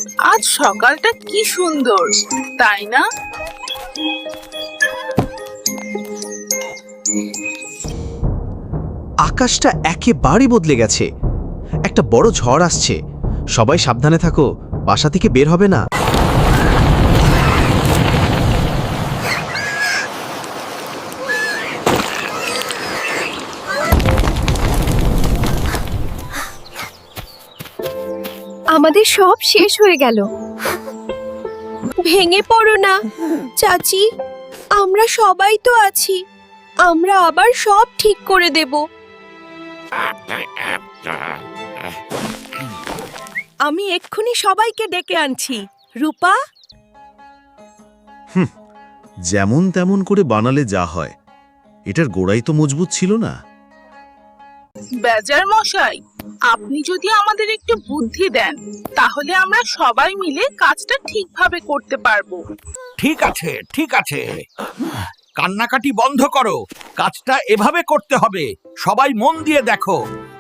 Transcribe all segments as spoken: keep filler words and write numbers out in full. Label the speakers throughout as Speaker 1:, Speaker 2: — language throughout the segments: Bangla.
Speaker 1: আজ সকালটা কি সুন্দর, তাই না?
Speaker 2: আকাশটা একেবারে বদলে গেছে। একটা বড় ঝড় আসছে। সবাই সাবধানে থাকো, বাসা থেকে বের হবে না।
Speaker 3: আমাদের সব শেষ হয়ে গেল। ভেঙে পড়ো না চাচি, আমরা সবাই তো আছি। আমরা আবার সব ঠিক করে দেব। আমি এক্ষুনি সবাইকে ডেকে আনছি। রূপা,
Speaker 4: যেমন তেমন করে বানালে যা হয়, এটার গোড়াই তো মজবুত ছিল না।
Speaker 1: বেজার মশাই, আপনি যদি আমাদের একটু বুদ্ধি দেন, তাহলে আমরা সবাই মিলে কাজটা ঠিকভাবে করতে পারবো।
Speaker 5: ঠিক আছে, ঠিক আছে, কান্নাকাটি বন্ধ করো। কাজটা এভাবে করতে হবে। সবাই মন দিয়ে দেখো।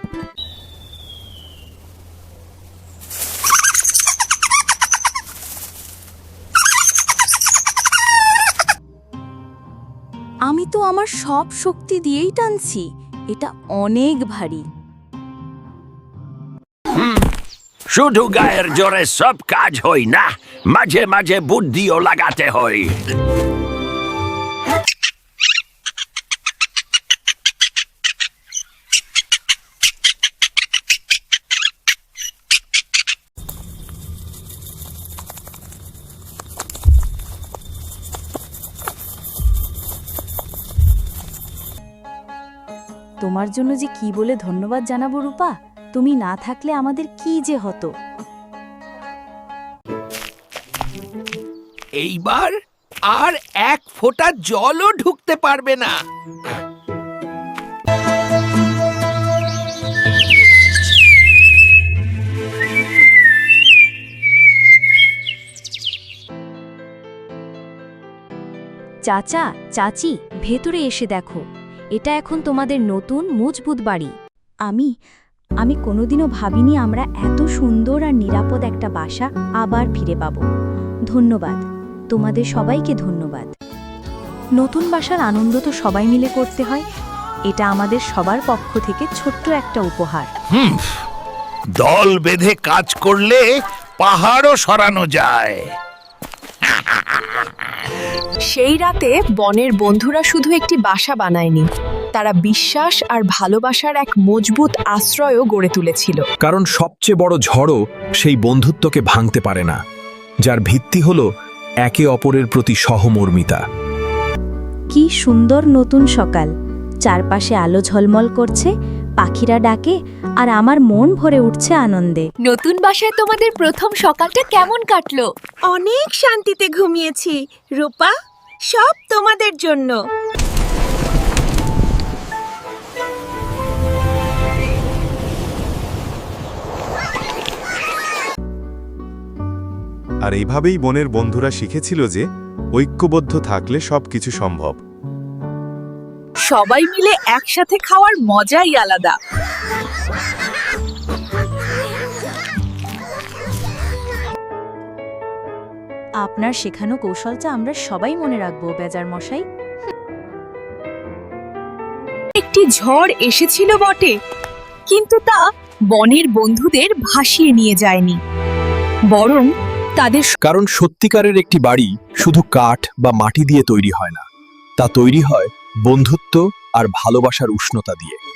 Speaker 6: আমি তো আমার সব শক্তি দিয়েই টানছি। এটা অনেক ভারী।
Speaker 5: শুধু গায়ের জোরে সব কাজ হয় না, মাঝে মাঝে বুদ্ধিও লাগাতে হয়।
Speaker 6: তোমার জন্য যে কি বলে ধন্যবাদ জানাবো রূপা। তুমি না থাকলে আমাদের কি যে হতো।
Speaker 5: এইবার আর এক ফোঁটা জলও ঢুকতে পারবে না।
Speaker 6: চাচা, চাচি, ভেতরে এসে দেখো। এটা এখন তোমাদের নতুন মজবুত বাড়ি। আমি আমি কোনোদিনও ভাবিনি আমরা এত সুন্দর আর নিরাপদ একটা বাসা আবার ফিরে পাব। ধন্যবাদ, তোমাদের সবাইকে ধন্যবাদ। নতুন বাসার আনন্দ তো সবাই মিলে করতে হয়। এটা আমাদের সবার পক্ষ থেকে ছোট্ট একটা উপহার।
Speaker 5: হুম, দল বেঁধে কাজ করলে পাহাড়ও সরানো যায়।
Speaker 3: সেই রাতে বনের বন্ধুরা শুধু একটি বাসা বানায়নি, তারা বিশ্বাস আর ভালোবাসার এক মজবুত আশ্রয়ও গড়ে তুলেছিল।
Speaker 7: কারণ সবচেয়ে বড় ঝড়ও সেই বন্ধুত্বকে ভাঙতে পারে না, যার ভিত্তি হলো একে অপরের প্রতি সহমর্মিতা।
Speaker 6: কি সুন্দর নতুন সকাল। চারপাশে আলো ঝলমল করছে, পাখিরা ডাকে, আর আমার মন ভরে উঠছে আনন্দে।
Speaker 3: নতুন বাসায় তোমাদের প্রথম সকালটা কেমন কাটলো?
Speaker 8: অনেক শান্তিতে ঘুমিয়েছি রূপা, সব তোমাদের জন্য।
Speaker 9: আর এইভাবেই বনের বন্ধুরা শিখেছিল যে ঐক্যবদ্ধ থাকলে সবকিছু সম্ভব।
Speaker 1: সবাই মিলে একসাথে খাওয়ার মজাই আলাদা।
Speaker 6: আপনার শেখানো কৌশলটা আমরা সবাই মনে রাখবো বেজার মশাই।
Speaker 3: একটি ঝড় এসেছিল বটে, কিন্তু তা বনের বন্ধুদের ভাসিয়ে নিয়ে যায়নি, বরং তাদের
Speaker 7: কারণ সত্যিকারের একটি বাড়ি শুধু কাঠ বা মাটি দিয়ে তৈরি হয় না, তা তৈরি হয় বন্ধুত্ব আর ভালোবাসার উষ্ণতা দিয়ে।